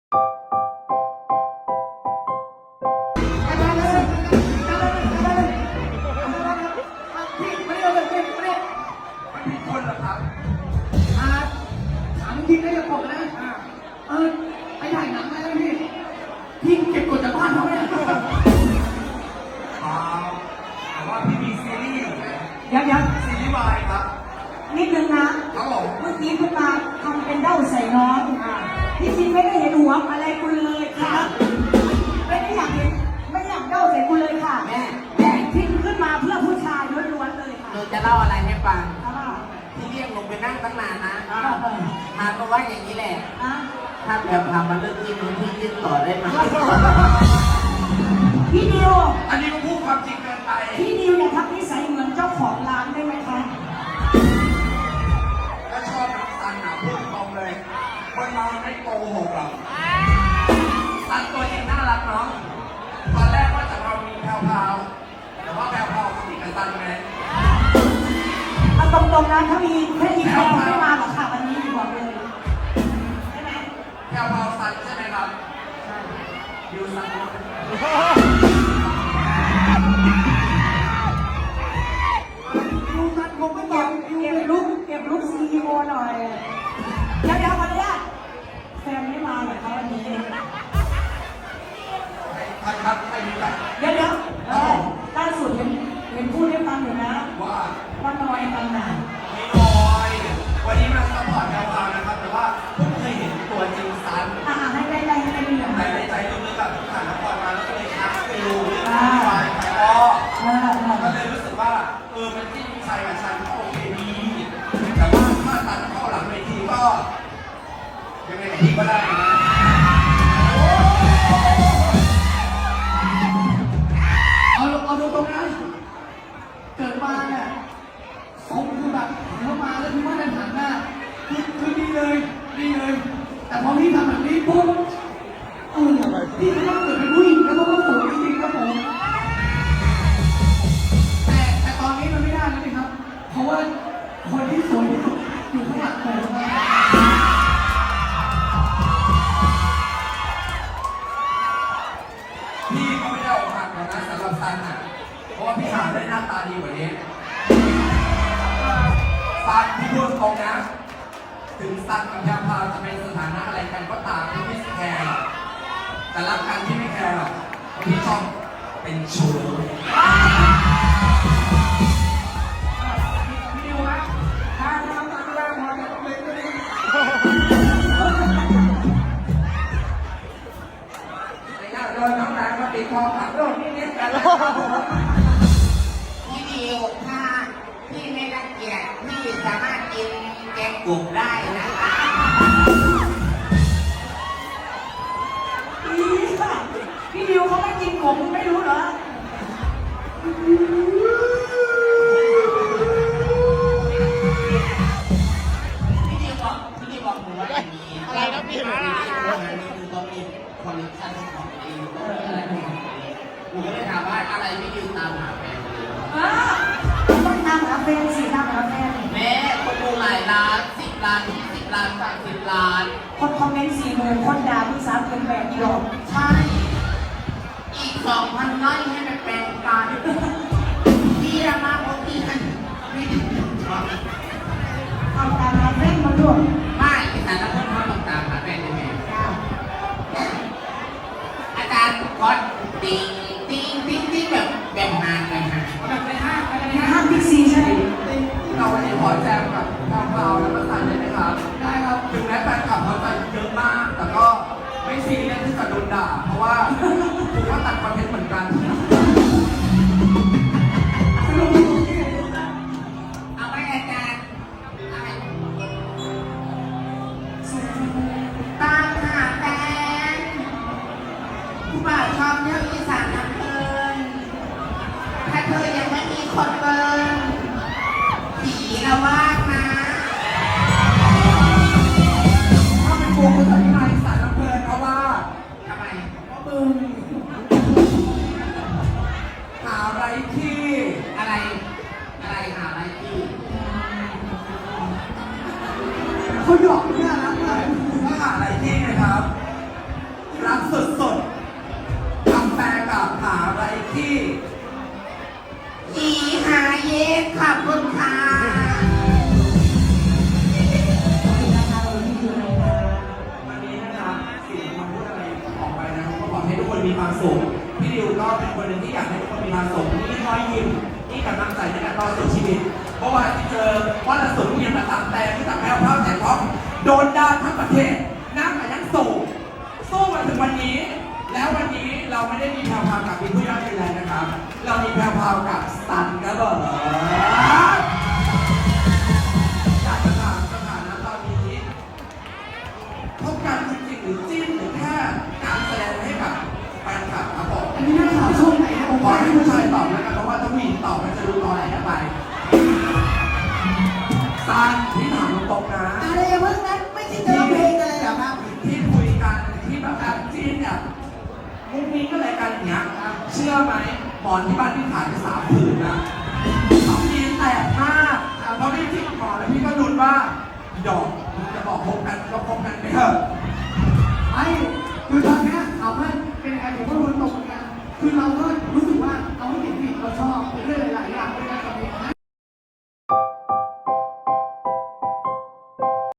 ไปถ่ายหนังมาแล้วพี่เก็บกดจากบ้านเขาเนี่ยแต่ว่าพี่มีซีรีส์อยู่นะยังซีรีส์วายครับนิดนึงนะครับผมเมื่อกี้คุณมาทำเป็นเด้าใส่น้องที่จริงไม่ได้เห็นหัวอะไรคุณเลยค่ะไม่ได้อยากเห็นไม่อยากเด้าใส่คุณเลยค่ะแม่ที่ขึ้นมาเพื่อผู้ชายล้วนๆเลยค่ะหนูจะเล่าอะไรให้ฟังค่ะที่เรียกลงไปนั่งตั้งนานนะมาก็ว่าอย่างนี้แหละถ้าแบบทำมันเรื่องที่นู้นที่ยื่นต่อได้ไหมพี่ดิวอันนี้ก็พูดความจริงเกินไปพี่ดิวเนี่ยทักนิสัยเหมือนเจ้าของร้านได้ไหมคะก็ชอบน้องซันนะพูดตรงเลยคนเราไม่โกหกหรอกซันตัวเองน่ารักเนาะตอนแรกว่าจะเรามีแพรวๆแต่ว่าแพรวๆสนิทกับซันไงเอาตรงๆนะถ้ามีแค่อีกแพรวไม่มาหรอกค่ะวันนี้บอกเลยใช่ไหมแพรวๆซันใช่ไหมครับใช่ยูซันผมไม่บอกเก็บลุกCEO หน่อยเดี๋ยวขออนุญาตแฟนไม่มาเหรอคะวันนี้ใครครับใครมีกันเดี๋ยวล่าสุดเห็นพูดให้ฟังอยู่นะว่าน้อยกันหนาไม่น้อยวันนี้มาซัพพอร์ตแพรวๆนะครับแต่ว่าเพิ่งเคยเห็นตัวจริงซันให้ได้เรื่องในใจลึกๆแบบผ่านละครมาแล้วก็เลยทักไปดูเรื่องวายไทยอ้อก็เลยรู้สึกว่ามันที่ชายกับฉันก็โอเคดีแต่ว่าถ้าตัดเข้าหลังเวทีก็ยังไงกับพี่ก็ได้นะเอาดูตรงนั้นเกิดมาเนี่ยทรงคือแบบเข้ามาแล้วพี่ว่าเดินหันหน้าคือดีเลยแต่พอพี่ทำแบบนี้ปุ๊บพี่ก็ต้องเกิดเป็นผู้หญิงแล้วก็สวยจริงๆครับผมแต่ตอนนี้มันไม่ได้แล้วนะครับเพราะว่าคนที่สวยที่สุดอยู่ข้างหลังผมพี่ก็ไม่ได้ออกหักหรอกนะสำหรับซันอ่ะเพราะว่าพี่หาได้หน้าตาดีกว่านี้ซันที่พูดตรงนะถึงซันกับแพรวๆจะเป็นสถานะอะไรกันก็ตามที่ไม่แคร์แต่รักกันที่ไม่แคร์หรอกพี่ชอบเป็นชู้พี่ดิวนะถ้าทำตามเวลาพอจะต้องเล่นก็ได้โดนน้องนางมาติดคอขับรถนิดๆกันพี่ดิวถ้าพี่ไม่รังเกียจพี่สามารถกินแกงกุ่มได้นะคะพี่ดิวเขาไม่กินผมไม่รู้เหรอพี่ดิวบอกหนูว่าอย่างนี้อะไรนะพี่นี่คือต้องมีคอลเลคชั่นของตัวเองอะไรของตัวเองหนูก็เลยถามว่าอะไรพี่ดิวตามหาแฟนต้องตามหาแฟนสิตามหาแฟนแม่คนดูหลายล้าน10 ล้าน20 ล้าน30 ล้านคนคอมเมนต์40,000คนด่าพี่สาวเกินแบบอีหลอกใช่อีก 2,000 ไร่ให้ไปแปลงกันพี่รามาโมทีกันไม่ถึงเอาตามหาแฟนมาด้วยไม่แต่ละคนเขาต้องตามหาแฟนได้ไหมอาจารย์คอสติ๊งแบบหางแบบในห้างบิ๊กซีใช่ไหมเราวันนี้ขอแจมกับแพรวๆและซันเลยนะครับได้ครับถึงแม้แฟนคลับเขาจะเยอะมากแต่ก็ไม่ซีเรียสที่จะโดนด่าเพราะว่าผมก็ตัดคอนเทนต์เหมือนกันเอาไปอาจารย์ตามหาแฟนผู้บ่าวชอบเที่ยวอีสานน้ำเพลินถ้าเธอยังไม่มีคนเบิร์นผีละวาดนะถ้าเป็นตัวคนสัญญาอีสานน้ำเพลินเพราะว่าทำไมเพราะมึงหาอะไรที่อะไรหาอะไรที่เขาหยอกเนี่ยนะก็หาอะไรที่ไงครับมีความสุขพี่ดิวก็เป็นคนหนึ่งที่อยากให้ทุกคนมีความสุขนี่รอยยิ้มนี่กำลังใจในการต่อสู้ชีวิตเพราะว่าที่เจอว่าระสุนเงียบมาตามแต่ที่ตักแพ้วเผาแต่ท้องโดนด่าทั้งประเทศน้ำแต่ยังสู้มาถึงวันนี้ แล้ววันนี้เราไม่ได้มีแพรวพราวกับพี่ผู้ยอดเป็นไรนะครับ เรามีแพรวพราวกับสันครับผมอยากจะถามสถานะตอนนี้พบกันจริงๆหรือจิ้นหรือแค่การแสดงให้กับแฟนคลับครับผมอันนี้นักข่าวช่วงไหนนะผมขอให้ผู้ชายตอบแล้วกันเพราะว่าถ้าผู้หญิงตอบมันจะดูตอแหลไปซันที่ถามตรงๆนะอะไรอย่างเมื่อนั้นไม่ใช่เจอเพลงอะไรเหรอครับที่คุยกันที่แบบจิ้นเนี่ยมุ้งมิ้งก็เลยกันอย่างเงี้ยเชื่อไหมหมอนที่บ้านพี่ขายไป3 ผืนนะสองทีแตกมากเพราะพี่จิกหมอนแล้วพี่ก็ลุ้นว่าดอกจะบอกพบกันก็พบกันไปเถอะไอ้คือตอนเนี้ยเอาว่าเป็นไงผมก็รู้ตรงกันคือเราก็